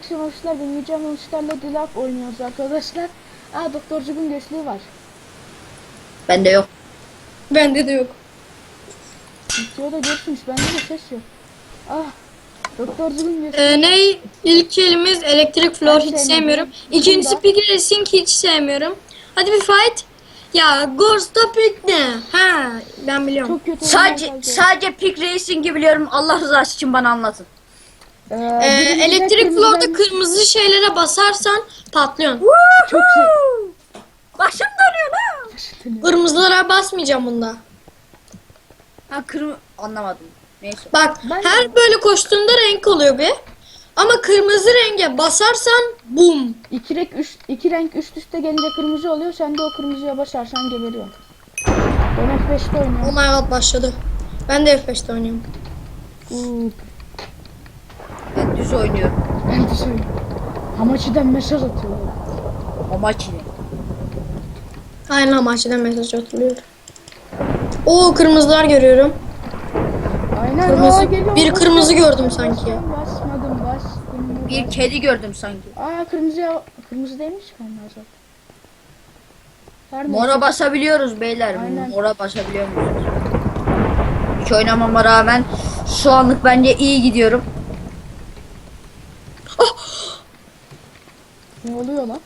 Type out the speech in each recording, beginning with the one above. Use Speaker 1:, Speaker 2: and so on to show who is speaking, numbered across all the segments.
Speaker 1: akşam hoşlar. Ben Yüce Hoşlar'la Dilap oynuyoruz arkadaşlar. Aa, doktorcuğun göçlüğü var.
Speaker 2: Bende yok.
Speaker 3: Bende de yok.
Speaker 1: Videoda görüşmüş. Bende de ses yok. Ah. Doktorcuğun göçlüğü.
Speaker 3: Ne? İlk elimiz elektrik floor
Speaker 1: Ben
Speaker 3: hiç
Speaker 1: sevmedim.
Speaker 3: sevmiyorum. İkincisi
Speaker 1: Bunda.
Speaker 3: Pig Racing hiç sevmiyorum. Hadi bir fight. Ya Ghost Pig ne? Ha ben biliyorum.
Speaker 1: Çok kötü.
Speaker 2: Sadece Pig Racing'i biliyorum. Allah rızası için bana anlatın.
Speaker 3: Elektrik floor'da kırmızı şeylere basarsan patlıyorsun.
Speaker 1: çok şey.
Speaker 2: Başım dönüyor lan.
Speaker 3: Kırmızılara basmayacağım bunda.
Speaker 2: Ha anlamadım. Neyse.
Speaker 3: Bak
Speaker 1: Ben
Speaker 3: her böyle koştuğunda renk oluyor bir. Ama kırmızı renge basarsan bum.
Speaker 1: İki renk üst üste gelince kırmızı oluyor. Sen de o kırmızıya basarsan geberiyorsun. Ben F5'te
Speaker 3: Oh
Speaker 1: oynuyorum.
Speaker 3: my god başladı. Ben de F5'te oynuyorum.
Speaker 2: Ben düz oynuyorum.
Speaker 1: Ben de söyleyeyim. Hamachi'den mesaj atıyorlar.
Speaker 2: Amaç ile.
Speaker 3: Aynen amaçlıdan mesaj atılıyor. Oo kırmızılar görüyorum.
Speaker 1: Aynen.
Speaker 3: Kırmızı,
Speaker 1: geliyor.
Speaker 3: bir kırmızı gördüm sanki.
Speaker 1: Basmadım bastım.
Speaker 2: Bir kedi gördüm sanki.
Speaker 1: Kırmızı değilmiş ki onlar zaten. Her neyse.
Speaker 2: Mora basabiliyoruz beyler.
Speaker 1: Aynen.
Speaker 2: Mora basabiliyor muyuz? Hiç oynamama rağmen şu anlık bence iyi gidiyorum.
Speaker 1: Ne oluyor lan?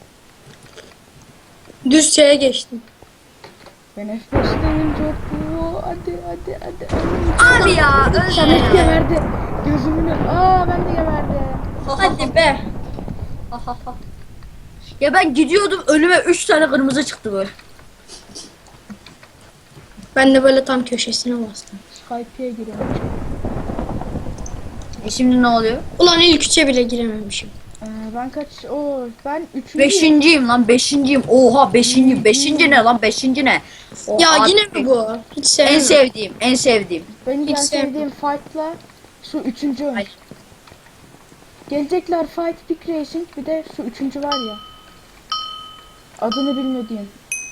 Speaker 3: Düz şeye geçtim.
Speaker 1: Ben F5'teyim çok. Hadi.
Speaker 2: Abi ya
Speaker 1: Samet geberdi. Gözümün ben de geberdim.
Speaker 3: Hadi be.
Speaker 2: Ya ben gidiyordum önüme 3 tane kırmızı çıktı böyle.
Speaker 3: Ben de böyle tam köşesine bastım.
Speaker 1: Skype'ye giriyorum.
Speaker 2: Şimdi ne oluyor?
Speaker 3: Ulan ilk üçe bile girememişim.
Speaker 1: Ben ben üçüncü.
Speaker 2: Beşinciyim lan beşinciyim. Oha beşinci. Beşinci ne lan beşinci ne? O
Speaker 3: Ya
Speaker 2: artık
Speaker 3: yine mi bu? Hiç sevmem.
Speaker 2: en sevdiğim.
Speaker 1: Benim
Speaker 3: Hiç
Speaker 1: en
Speaker 3: sevmem.
Speaker 1: sevdiğim fight'la şu üçüncü oyun.
Speaker 2: Ay.
Speaker 1: Gelecekler fight Big Racing, bir de şu üçüncü var ya. Adını bilmediğim.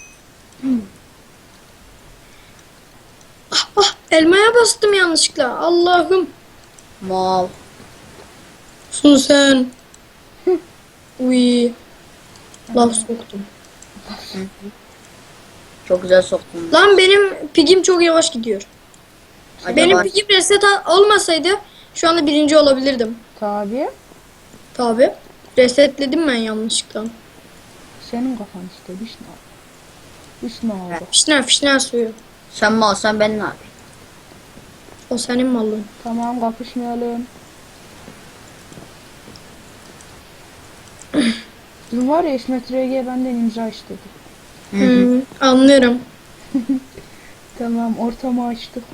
Speaker 3: Elmaya bastım yanlışlıkla. Allah'ım.
Speaker 2: Mal.
Speaker 3: Sun sen. Uy. Laf soktum.
Speaker 2: Çok güzel soktun.
Speaker 3: Lan benim pigim çok yavaş gidiyor.
Speaker 2: Acaba-
Speaker 3: Benim pigim reset olmasaydı şu anda birinci olabilirdim.
Speaker 1: Tabii.
Speaker 3: Tabi. Resetledim ben yanlışlıkla.
Speaker 1: Senin kafan işte Vişne. Vişne oldu.
Speaker 3: Fişner suyu.
Speaker 2: Sen mal sen ben ne yapayım?
Speaker 3: O senin malın.
Speaker 1: Tamam, kapışmayalım. Dün var ya İsmet RG benden imza istedi.
Speaker 3: Anlıyorum.
Speaker 1: Tamam, ortamı açtık.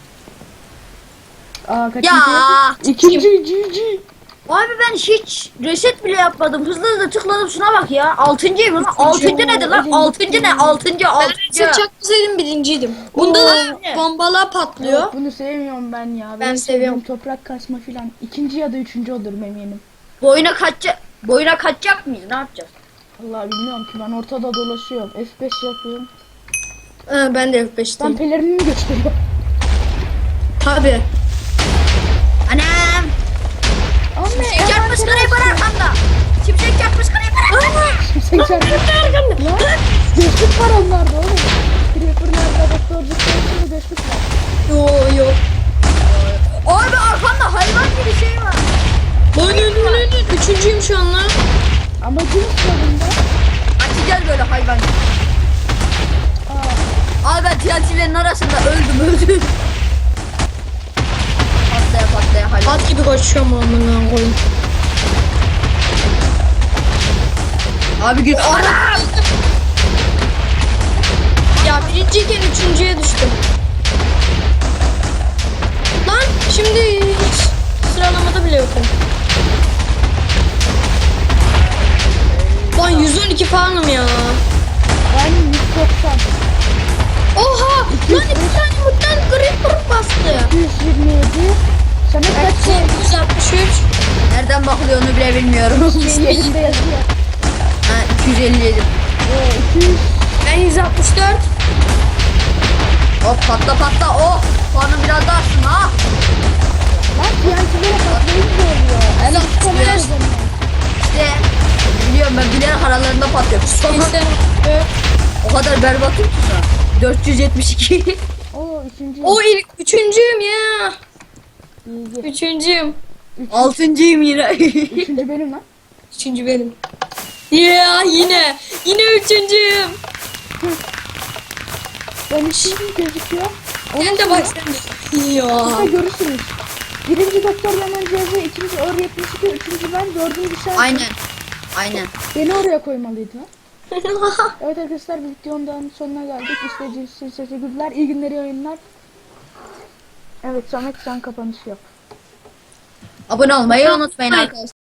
Speaker 1: Kaçıncı?
Speaker 2: Ya
Speaker 1: İkinci GG.
Speaker 2: abi ben hiç reset bile yapmadım. Hızlı tıkladım şuna bak ya. Altıncıyım lan. Altıncı nedir lan? Altıncı ne? Altıncı.
Speaker 3: Ben reset çakmasaydım birinciydim. Bunda da
Speaker 2: Oo.
Speaker 3: bombalar patlıyor.
Speaker 1: Yok, bunu sevmiyorum ben ya.
Speaker 3: Ben
Speaker 1: Benim
Speaker 3: seviyorum.
Speaker 1: sevdiğim toprak kasma filan. İkinci ya da üçüncü olurum eminim.
Speaker 2: Boyuna kaçacak mıyız? Ne yapacağız?
Speaker 1: Vallahi bilmiyorum ki, ben ortada dolaşıyorum. F5 yapıyorum.
Speaker 3: Ben de
Speaker 1: Ben
Speaker 3: F5'teyim.
Speaker 1: pelerinimi gösteriyorum.
Speaker 3: Tabi.
Speaker 2: Anam! Şimşek çarpmış Creeper arkamda. Şimşek çarpmış Creeper.
Speaker 1: Sen çarpın. Lan göçlük var onlarda oğlum. Creeper'larda doktorcukta göçlük var.
Speaker 3: Yo.
Speaker 2: Abi arkamda hayvan gibi şey var.
Speaker 3: Lan. Üçüncüyüm şu an lan.
Speaker 1: Amacımız sonunda.
Speaker 2: Açacağız böyle hayvan gibi. Abi ben TNT'lerin arasında öldüm. Patlaya hayvan.
Speaker 3: At gibi koşuyorum amına koyayım.
Speaker 2: Abi git. Anam!
Speaker 3: Ya birinciyken üçüncüye düştüm. Lan şimdi hiç sıralamada bile yokum. Lan 112 falanım ya.
Speaker 1: Ben 190.
Speaker 3: Oha! Lan iki tane mutant creeper bastı.
Speaker 1: 127. Sana kaç şey?
Speaker 3: 163.
Speaker 2: Nereden bakılıyor onu bile bilmiyorum.
Speaker 1: Yerinde yazıyor.
Speaker 2: Ha 257.
Speaker 1: 200.
Speaker 3: Ben 164.
Speaker 2: Hop patla. Oh! Puanı biraz daha artsın ha.
Speaker 1: Lan TNT'lere patlayınca oluyor. En az kamera
Speaker 2: aralarında patlıyor.
Speaker 3: Neyse.
Speaker 2: O kadar berbatım ki şu an. 472.
Speaker 1: Oo üçüncü.
Speaker 3: O ilk üçüncüyüm ya.
Speaker 1: İyi.
Speaker 3: Üçüncüyüm.
Speaker 2: Altıncıyım yine.
Speaker 1: Üçüncü benim lan.
Speaker 3: Üçüncü benim. Ya yine. Yine üçüncüyüm.
Speaker 1: Ben üçüncü gözüküyor.
Speaker 3: Sen de bak sen de. Ya.
Speaker 1: Burada görürsünüz. Birinci doktor Yaman Cevzi, ikinci Ör 72, üçüncü ben, dördüncü sen.
Speaker 2: Aynen. Aynen.
Speaker 1: Beni oraya koymalıydı. Evet arkadaşlar bir videonun sonuna geldik. İzlediğiniz için teşekkürler. İyi günler, iyi oyunlar. Evet Samet sen kapanış yap.
Speaker 2: Abone olmayı unutmayın
Speaker 3: Hayır.
Speaker 2: arkadaşlar.